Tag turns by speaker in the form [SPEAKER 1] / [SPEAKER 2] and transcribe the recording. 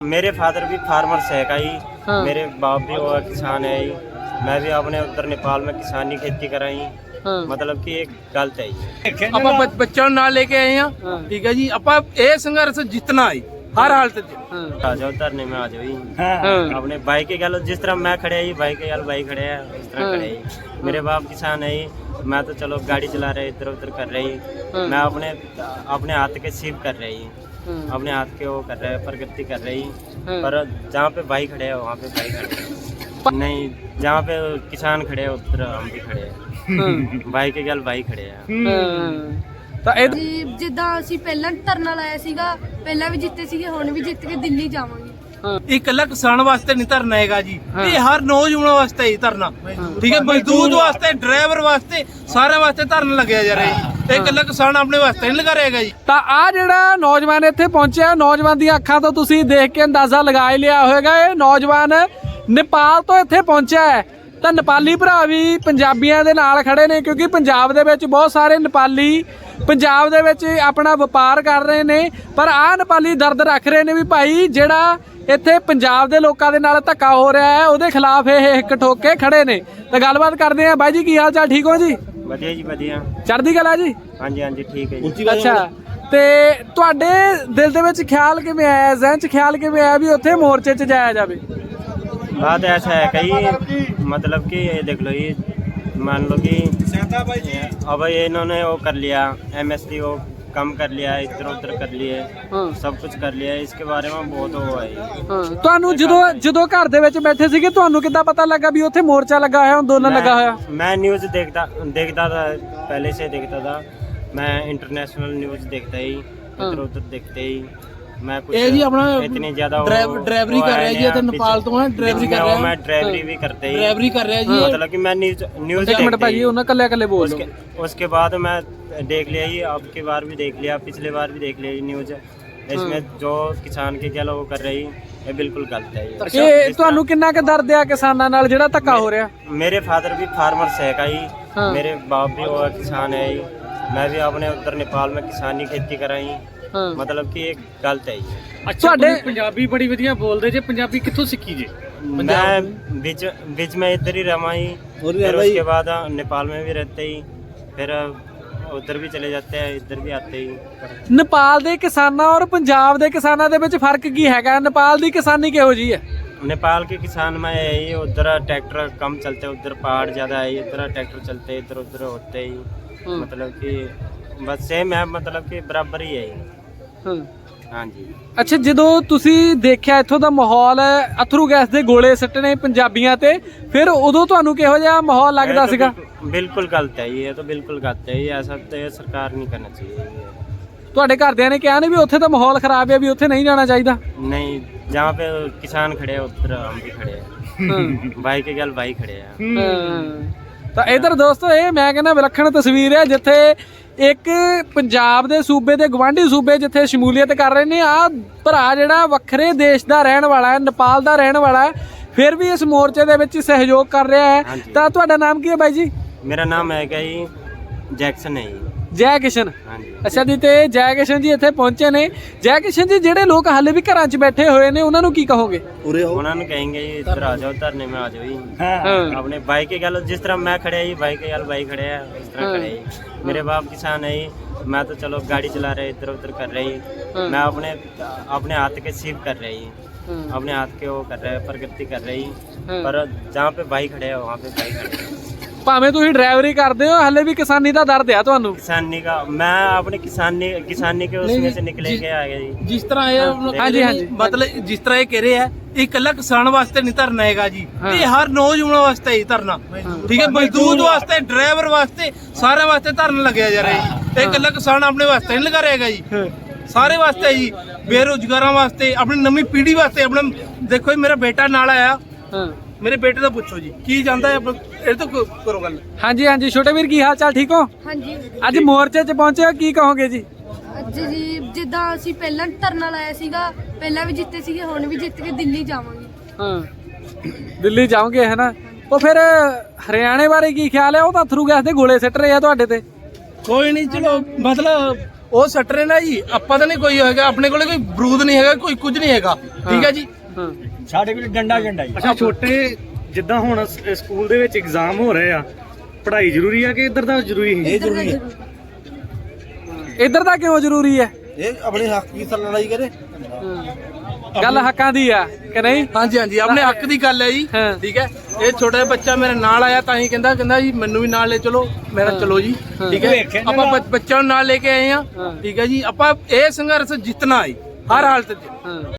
[SPEAKER 1] मेरे फादर भी फार्मर्स है का ही।
[SPEAKER 2] हाँ।
[SPEAKER 1] मेरे बाप भी वो किसान है ही। मैं भी अपने उधर नेपाल में किसानी खेती कराई।
[SPEAKER 2] हाँ।
[SPEAKER 1] मतलब कि एक गलत है ये।
[SPEAKER 3] ਆਪਾਂ ਬੱਚਿਆਂ ਨੂੰ ਨਾਲ ਲੈ ਕੇ ਆਏ ਆ ਠੀਕ ਹੈ ਜੀ ਆਪਾਂ ਇਹ ਸੰਘਰਸ਼ ਜਿੱਤਣਾ ਹੈ ਹਰ ਹਾਲਤ 'ਚ
[SPEAKER 1] आ जाओ धरने में आ जाओ ही।
[SPEAKER 2] हाँ।
[SPEAKER 1] अपने भाई के गल जिस तरह मैं खड़े ही भाई के गल भाई खड़े हैं उस तरह
[SPEAKER 2] हाँ।
[SPEAKER 1] खड़े ही। मेरे बाप किसान है ही। मैं तो चलो गाड़ी चला रहे इधर उधर कर रही।
[SPEAKER 2] हाँ।
[SPEAKER 1] मैं अपने हाथ के सीव कर रही। अपने हाथ के वो कर रहे प्रगति कर रही।
[SPEAKER 2] हाँ।
[SPEAKER 1] पर जहाँ पे भाई खड़े हैं वहाँ पे भाई खड़े हैं नहीं। जहाँ पे किसान खड़े हैं उधर हम भी खड़े हैं। भाई के गल भाई खड़े हैं।
[SPEAKER 2] ਤਾਂ ਇਹ
[SPEAKER 4] ਜੀ ਜਿੱਦਾਂ ਅਸੀਂ ਪਹਿਲਾਂ ਧਰਨਾ ਲਾਇਆ ਸੀਗਾ, ਪਹਿਲਾਂ ਵੀ ਜਿੱਤੇ ਸੀਗੇ, ਹੁਣ ਵੀ ਜਿੱਤ ਕੇ ਦਿੱਲੀ ਜਾਵਾਂਗੇ।
[SPEAKER 3] ਇਹ ਇਕੱਲਾ ਕਿਸਾਨ ਵਾਸਤੇ ਨਹੀਂ ਧਰਨਾ ਹੈਗਾ ਜੀ
[SPEAKER 2] ਹਾਂ।
[SPEAKER 3] ਇਹ ਹਰ ਨੌਜਵਾਨ ਵਾਸਤੇ ਹੀ ਧਰਨਾ ਠੀਕ ਹੈ ਮਜ਼ਦੂਰ ਵਾਸਤੇ ਡਰਾਈਵਰ ਵਾਸਤੇ ਸਾਰਿਆਂ ਵਾਸਤੇ ਧਰਨਾ ਲੱਗਿਆ ਜਾ ਰਿਹਾ ਜੀ ਇਹ ਇਕੱਲਾ ਕਿਸਾਨ ਆਪਣੇ ਵਾਸਤੇ ਨਹੀਂ ਲਗਾ ਰਹੇਗਾ ਜੀ।
[SPEAKER 2] ਤਾਂ ਆ ਜਿਹੜਾ ਨੌਜਵਾਨ ਇੱਥੇ ਪਹੁੰਚਿਆ ਨੌਜਵਾਨ ਦੀਆਂ ਅੱਖਾਂ ਤੋਂ ਤੁਸੀਂ ਦੇਖ ਕੇ ਅੰਦਾਜ਼ਾ ਲਗਾ ਹੀ ਲਿਆ ਹੋਵੇਗਾ ਇਹ ਨੌਜਵਾਨ ਨੇਪਾਲ ਤੋਂ ਇੱਥੇ ਪਹੁੰਚਿਆ ਹੈ। ਤਾਂ ਨੇਪਾਲੀ ਭਰਾ ਵੀ ਪੰਜਾਬੀਆਂ ਦੇ ਨਾਲ ਖੜੇ ਨੇ ਕਿਉਂਕਿ ਪੰਜਾਬ ਦੇ ਵਿੱਚ ਬਹੁਤ ਸਾਰੇ ਨੇਪਾਲੀ ਪੰਜਾਬ ਦੇ ਵਿੱਚ ਆਪਣਾ ਵਪਾਰ ਕਰ ਰਹੇ ਨੇ ਪਰ ਆਹ ਨੇਪਾਲੀ ਦਰਦ ਰੱਖ ਰਹੇ ਨੇ ਵੀ ਭਾਈ ਜਿਹੜਾ ਇੱਥੇ ਪੰਜਾਬ ਦੇ ਲੋਕਾਂ ਦੇ ਨਾਲ ਧੱਕਾ ਹੋ ਰਿਹਾ ਹੈ ਉਹਦੇ ਖਿਲਾਫ ਇਹ ਇੱਕ ਠੋਕ ਕੇ ਖੜੇ ਨੇ। ਤਾਂ ਗੱਲਬਾਤ ਕਰਦੇ ਆ ਬਾਈ ਜੀ ਕੀ ਹਾਲ ਚਾਲ ਠੀਕ ਹੋ ਜੀ?
[SPEAKER 1] ਵਧੀਆ ਜੀ ਵਧੀਆ।
[SPEAKER 2] ਚੜ੍ਹਦੀ ਕਲਾ ਜੀ।
[SPEAKER 1] ਹਾਂਜੀ ਹਾਂਜੀ ਠੀਕ ਹੈ ਜੀ।
[SPEAKER 2] ਅੱਛਾ ਤੇ ਤੁਹਾਡੇ ਦਿਲ ਦੇ ਵਿੱਚ ਖਿਆਲ ਕਿਵੇਂ ਆਇਆ ਜ਼ਿਹਨ 'ਚ ਖਿਆਲ ਕਿਵੇਂ ਆਇਆ ਵੀ ਉੱਥੇ ਮੋਰਚੇ 'ਚ ਜਾਇਆ ਜਾਵੇ?
[SPEAKER 1] बात ऐसा है कहीं मतलब कि ये देख लो ये मान लो कि अब ये इन्होंने वो कर लिया MSP वो कम कर लिया इधर उधर कर लिए
[SPEAKER 2] ਹਾਂ
[SPEAKER 1] सब कुछ कर लिया इसके बारे में बहुत वो है ये।
[SPEAKER 2] ਹਾਂ ਤੁਹਾਨੂੰ ਜਦੋਂ ਘਰ ਦੇ ਵਿੱਚ ਬੈਠੇ ਸੀਗੇ ਤੁਹਾਨੂੰ ਕਿੱਦਾਂ ਪਤਾ ਲੱਗਾ ਵੀ ਉੱਥੇ ਮੋਰਚਾ ਲੱਗਾ ਹੋਇਆ ਅੰਦੋਲਨ ਲੱਗਾ ਹੋਇਆ?
[SPEAKER 1] मैं न्यूज़ देखता था पहले से देखता था। मैं इंटरनेशनल न्यूज़ देखता ही इधर उधर देखते ही मैं कुछ
[SPEAKER 3] ਇਹ ਜੀ ਆਪਣਾ
[SPEAKER 1] इतनी ज्यादा
[SPEAKER 3] ਡਰਾਈਵਰੀ ਕਰ ਰਿਹਾ ਜੀ ਇੱਥੇ ਨੇਪਾਲ ਤੋਂ ਹੈ ਡਰਾਈਵਰੀ ਕਰ ਰਿਹਾ
[SPEAKER 1] मैं ड्राइवरी भी करते ही
[SPEAKER 3] ਡਰਾਈਵਰੀ ਕਰ ਰਿਹਾ ਜੀ
[SPEAKER 1] मतलब कि मैं न्यूज़
[SPEAKER 2] ਇੱਕ ਮਿੰਟ ਭਾਜੀ ਉਹਨਾਂ ਕੱਲੇ ਬੋਲ ਲਓ।
[SPEAKER 1] उसके बाद मैं देख लिया ही अब की बार भी देख लिया पिछले बार भी देख लिया न्यूज़ इसमें जो किसान के क्या वो कर रही ये बिल्कुल गलत है ये।
[SPEAKER 2] ਇਹ ਤੁਹਾਨੂੰ ਕਿੰਨਾ ਕੁ ਦਰਦ ਆ ਕਿਸਾਨਾਂ ਨਾਲ ਜਿਹੜਾ ਧੱਕਾ ਹੋ ਰਿਹਾ?
[SPEAKER 1] मेरे फादर भी फार्मर्स है का ही।
[SPEAKER 2] हाँ।
[SPEAKER 1] मेरे बाप भी वो किसान है ही। मैं भी अपने उधर नेपाल में किसानी खेती कराई।
[SPEAKER 2] ਹਾਂ
[SPEAKER 1] मतलब कि एक गलत है ये।
[SPEAKER 2] ਤੁਹਾਡੇ
[SPEAKER 5] ਪੰਜਾਬੀ ਬੜੀ ਵਧੀਆ ਬੋਲਦੇ ਜੇ ਪੰਜਾਬੀ ਕਿੱਥੋਂ ਸਿੱਖੀ ਜੇ?
[SPEAKER 1] मैं बीच में इधर ही रहा ही फिर उसके बाद नेपाल में भी रहते ही फिर उधर भी चले जाते हैं इधर भी आते ही।
[SPEAKER 2] ਨੇਪਾਲ ਦੇ ਕਿਸਾਨਾਂ ਔਰ ਪੰਜਾਬ ਦੇ ਕਿਸਾਨਾਂ ਦੇ ਵਿੱਚ ਫਰਕ ਕੀ ਹੈਗਾ? ਨੇਪਾਲ ਦੀ ਕਿਸਾਨੀ ਕਿਹੋ ਜੀ ਹੈ?
[SPEAKER 1] नेपाल के किसान में यही उधर ट्रैक्टर कम चलते उधर पहाड़ ज़्यादा है इधर ट्रैक्टर चलते इधर उधर होते ही मतलब कि बस सेम है मतलब कि बराबर ही है ये।
[SPEAKER 2] ਹਾਂ
[SPEAKER 1] हाँ जी।
[SPEAKER 2] ਅੱਛਾ ਜਦੋਂ ਤੁਸੀਂ ਦੇਖਿਆ ਇੱਥੋਂ ਦਾ ਮਾਹੌਲ ਅਥਰੂ ਗੈਸ ਦੇ ਗੋਲੇ ਸੱਟਣੇ ਪੰਜਾਬੀਆਂ ਤੇ ਫਿਰ ਉਦੋਂ ਤੁਹਾਨੂੰ ਕਿਹੋ ਜਿਹਾ ਮਾਹੌਲ ਲੱਗਦਾ
[SPEAKER 1] ये तो
[SPEAKER 2] ਸੀਗਾ?
[SPEAKER 1] बिल्कुल गलत है ये तो बिल्कुल गलत है ये ऐसा तो ये सरकार नहीं करना चाहिए ये।
[SPEAKER 2] ਤੁਹਾਡੇ ਘਰਦਿਆਂ ਨੇ ਕਿਹਾ ਨੇ ਵੀ ਉੱਥੇ ਤਾਂ ਮਾਹੌਲ ਖਰਾਬ ਹੈ ਵੀ ਉੱਥੇ ਨਹੀਂ ਜਾਣਾ ਚਾਹੀਦਾ?
[SPEAKER 1] नहीं जहाँ पे किसान खड़े हैं उधर हम भी खड़े हैं भाई के गल भाई खड़े हैं।
[SPEAKER 2] ਹਾਂ। ਤਾਂ ਇਧਰ ਦੋਸਤੋ ਇਹ ਮੈਂ ਕਹਿੰਦਾ ਵਿਲੱਖਣ ਤਸਵੀਰ ਹੈ ਜਿੱਥੇ ਇੱਕ ਪੰਜਾਬ ਦੇ ਸੂਬੇ ਤੇ ਗਵਾਂਢੀ ਸੂਬੇ ਜਿੱਥੇ ਸ਼ਮੂਲੀਅਤ ਕਰ ਰਹੇ ਨੇ ਆ ਭਰਾ ਜਿਹੜਾ ਵੱਖਰੇ ਦੇਸ਼ ਦਾ ਰਹਿਣ ਵਾਲਾ ਹੈ ਨੇਪਾਲ ਦਾ ਰਹਿਣ ਵਾਲਾ ਹੈ ਫਿਰ ਵੀ ਇਸ ਮੋਰਚੇ ਦੇ ਵਿੱਚ ਸਹਿਯੋਗ ਕਰ ਰਿਹਾ ਹੈ।
[SPEAKER 1] ਹਾਂਜੀ।
[SPEAKER 2] ਤਾਂ ਤੁਹਾਡਾ ਨਾਮ ਕੀ ਹੈ ਬਾਈ ਜੀ?
[SPEAKER 1] मेरा नाम है क्या ही जैक्सन है ये।
[SPEAKER 2] ਜੈ ਕਿਸ਼ਨ।
[SPEAKER 1] हाँ जी।
[SPEAKER 2] ਅੱਛਾ ਜੀ ਤੇ ਜੈ ਕਿਸ਼ਨ ਜੀ ਇੱਥੇ ਪਹੁੰਚੇ ਨੇ। ਜੈ ਕਿਸ਼ਨ ਜੀ ਜਿਹੜੇ ਲੋਕ ਹਾਲੇ ਵੀ ਘਰਾਂ 'ਚ ਬੈਠੇ ਹੋਏ ਨੇ ਉਹਨਾਂ ਨੂੰ ਕੀ ਕਹੋਗੇ?
[SPEAKER 1] उन्होंने कहेंगे ये इधर आ जाओ धरने में आ जाओ ही।
[SPEAKER 2] ਹਾਂ
[SPEAKER 1] अपने भाई के गल जिस तरह मैं खड़े ही भाई के गल भाई खड़े हैं उस तरह खड़े ही। मेरे बाप किसान है ही। मैं तो चलो गाड़ी चला रहे इधर उधर कर रही। मैं अपने हाथ के सीव कर रही अपने हाथ के वो कर रहे प्रगति कर रही पर जहाँ पे भाई खड़े हैं वहाँ पे भाई खड़े हैं।
[SPEAKER 2] ਭਾਵੇਂ ਤੁਸੀਂ ਡਰਾਈਵਰੀ ਕਰਦੇ ਹੋ ਹਾਲੇ ਵੀ ਕਿਸਾਨੀ ਦਾ ਦਰਦ ਆ ਤੁਹਾਨੂੰ?
[SPEAKER 1] किसानी का मैं अपने किसानी के उसमें से निकले के आ गया जी।
[SPEAKER 3] ਜਿਸ ਤਰ੍ਹਾਂ ਇਹ
[SPEAKER 2] ਹਾਂਜੀ, ਹਾਂਜੀ।
[SPEAKER 3] ਮਤਲਬ ਜਿਸ ਤਰ੍ਹਾਂ ਇਹ ਕਹਿ ਰਹੇ ਆ ਇਹ ਇਕੱਲਾ ਕਿਸਾਨ ਵਾਸਤੇ ਨਹੀਂ ਧਰਨਾ ਹੈਗਾ ਜੀ ਇਹ ਹਰ ਨੌਜਵਾਨ ਵਾਸਤੇ ਹੀ ਧਰਨਾ ਠੀਕ ਹੈ ਮਜ਼ਦੂਰ ਵਾਸਤੇ ਡਰਾਈਵਰ ਵਾਸਤੇ ਸਾਰਿਆਂ ਵਾਸਤੇ ਧਰਨਾ ਲੱਗਿਆ ਜਾ ਰਿਹਾ ਜੀ ਇਹ ਇਕੱਲਾ ਕਿਸਾਨ ਆਪਣੇ ਵਾਸਤੇ ਨਹੀਂ ਲਗਾ ਰਹੇਗਾ ਜੀ ਸਾਰੇ ਵਾਸਤੇ ਜੀ ਬੇਰੁਜ਼ਗਾਰਾਂ ਵਾਸਤੇ ਆਪਣੀ ਨਵੀਂ ਪੀੜ੍ਹੀ ਵਾਸਤੇ ਆਪਣਾ ਦੇਖੋ ਜੀ ਮੇਰਾ ਬੇਟਾ ਨਾਲ ਆਇਆ
[SPEAKER 2] ਹਾਂ
[SPEAKER 3] ਮੇਰੇ ਬੇਟੇ ਦਾ ਪੁੱਛੋ ਜੀ ਕੀ ਜਾਂਦਾ ਹੈ ਇਹ ਤਾਂ ਕਰੋ ਗੱਲ।
[SPEAKER 2] ਹਾਂਜੀ ਹਾਂਜੀ ਛੋਟੇ ਵੀਰ ਕੀ ਹਾਲ ਚਾਲ ਠੀਕ ਹੋ?
[SPEAKER 4] ਹਾਂਜੀ
[SPEAKER 2] ਅੱਜ ਮੋਰਚੇ 'ਚ ਪਹੁੰਚੇ ਹੋ ਕੀ ਕਹੋਗੇ ਜੀ?
[SPEAKER 4] ਅੱਜ ਜੀ ਜਿੱਦਾਂ ਅਸੀਂ ਪਹਿਲਾਂ ਧਰਨਾ ਲਾਇਆ ਸੀਗਾ, ਪਹਿਲਾਂ ਵੀ ਜਿੱਤੇ ਸੀਗੇ, ਹੁਣ ਵੀ ਜਿੱਤ ਕੇ ਦਿੱਲੀ ਜਾਵਾਂਗੇ।
[SPEAKER 2] ਹਾਂ ਦਿੱਲੀ ਜਾਓਗੇ ਹੈ ਨਾ? ਉਹ ਫਿਰ ਹਰਿਆਣੇ ਬਾਰੇ ਕੀ ਖਿਆਲ ਹੈ? ਉਹ ਤਾਂ ਅਥਰੂ ਗੈਸ ਦੇ ਗੋਲੇ ਸਿੱਟ ਰਹੇ ਆ ਤੁਹਾਡੇ ਤੇ।
[SPEAKER 3] ਕੋਈ ਨਹੀਂ ਚਲੋ ਮਤਲਬ ਉਹ ਸੱਟ ਰਹੇ ਨਾ ਜੀ, ਆਪਾਂ ਤਾਂ ਨਹੀਂ ਕੋਈ ਹੈਗਾ, ਆਪਣੇ ਕੋਲੇ ਕੋਈ ਬਰੂਦ ਨਹੀਂ ਹੈਗਾ, ਕੋਈ ਕੁਝ ਨਹੀਂ ਹੈਗਾ, ਠੀਕ ਹੈ ਜੀ।
[SPEAKER 2] ਹਾਂ
[SPEAKER 1] ਸਾਡੇ ਕੋਲ ਡੰਡਾ ਜੀ
[SPEAKER 5] ਅੱਛਾ ਛੋਟੇ ਜਿੱਦਾਂ ਹੁਣ ਸਕੂਲ ਦੇ ਵਿੱਚ ਐਗਜ਼ਾਮ ਹੋ ਰਹੇ ਆ, ਪੜ੍ਹਾਈ ਜ਼ਰੂਰੀ ਆ ਕਿ ਇੱਧਰ ਦਾ ਜ਼ਰੂਰੀ ਹੈ?
[SPEAKER 2] ਇੱਧਰ ਦਾ ਕਿਉਂ ਜ਼ਰੂਰੀ ਹੈ?
[SPEAKER 6] ਇਹ ਆਪਣੇ ਹੱਕ ਦੀ ਤਾਂ ਲੜਾਈ ਕਰੇ।
[SPEAKER 2] ਗੱਲ ਹੱਕਾਂ ਦੀ ਆ ਕਿ ਨਹੀਂ?
[SPEAKER 3] ਹਾਂਜੀ ਹਾਂਜੀ, ਆਪਣੇ ਹੱਕ ਦੀ ਗੱਲ ਹੈ ਜੀ,
[SPEAKER 2] ਹਾਂ।
[SPEAKER 3] ਠੀਕ ਹੈ। ਇਹ ਛੋਟਾ ਜਿਹਾ ਬੱਚਾ ਮੇਰੇ ਨਾਲ ਆਇਆ ਤਾਂ ਹੀ ਕਹਿੰਦਾ ਜੀ ਮੈਨੂੰ ਵੀ ਨਾਲ ਲੈ ਚਲੋ, ਮੇਰਾ ਚਲੋ ਜੀ, ਠੀਕ ਹੈ। ਆਪਾਂ ਬੱਚਿਆਂ ਨੂੰ ਨਾਲ ਲੈ ਕੇ ਆਏ ਆ, ਠੀਕ ਹੈ ਜੀ। ਆਪਾਂ ਇਹ ਸੰਘਰਸ਼ ਜਿੱਤਣਾ ਹੈ ਹਰ ਹਾਲਤ 'ਚ।